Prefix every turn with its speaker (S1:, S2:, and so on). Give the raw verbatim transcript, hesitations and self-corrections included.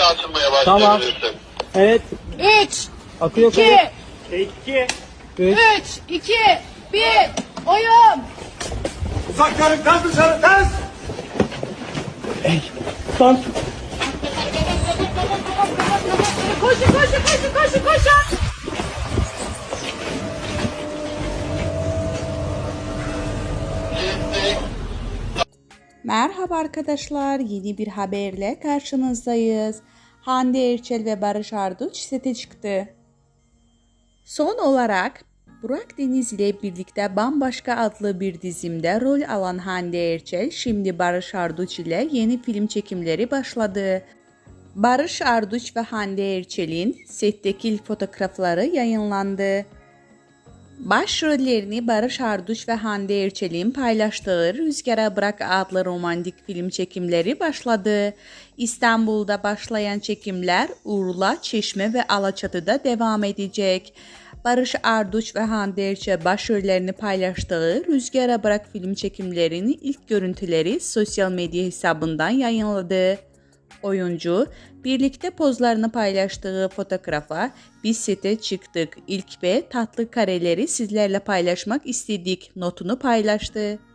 S1: açılmaya
S2: Tamam.
S1: başlayabilirsin.
S2: Evet.
S3: üç,
S2: Akıyor
S3: iki,
S2: kayıt. iki, üç.
S3: üç, iki, bir, oyun.
S4: Uzakların ters dışarı ters.
S2: Son.
S3: Koşun, koşun, koşun, koşun, koşun.
S5: Merhaba arkadaşlar, yeni bir haberle karşınızdayız. Hande Erçel ve Barış Arduç sete çıktı. Son olarak Burak Deniz ile birlikte Bambaşka adlı bir dizimde rol alan Hande Erçel şimdi Barış Arduç ile yeni film çekimleri başladı. Barış Arduç ve Hande Erçel'in setteki ilk fotoğrafları yayınlandı. Başrollerini Barış Arduç ve Hande Erçel'in paylaştığı Rüzgara Bırak adlı romantik film çekimleri başladı. İstanbul'da başlayan çekimler Urla, Çeşme ve Alaçatı'da devam edecek. Barış Arduç ve Hande Erçel başrollerini paylaştığı Rüzgara Bırak film çekimlerinin ilk görüntüleri sosyal medya hesabından yayınladı. Oyuncu, birlikte pozlarını paylaştığı fotoğrafa "Biz sete çıktık, ilk ve tatlı kareleri sizlerle paylaşmak istedik" notunu paylaştı.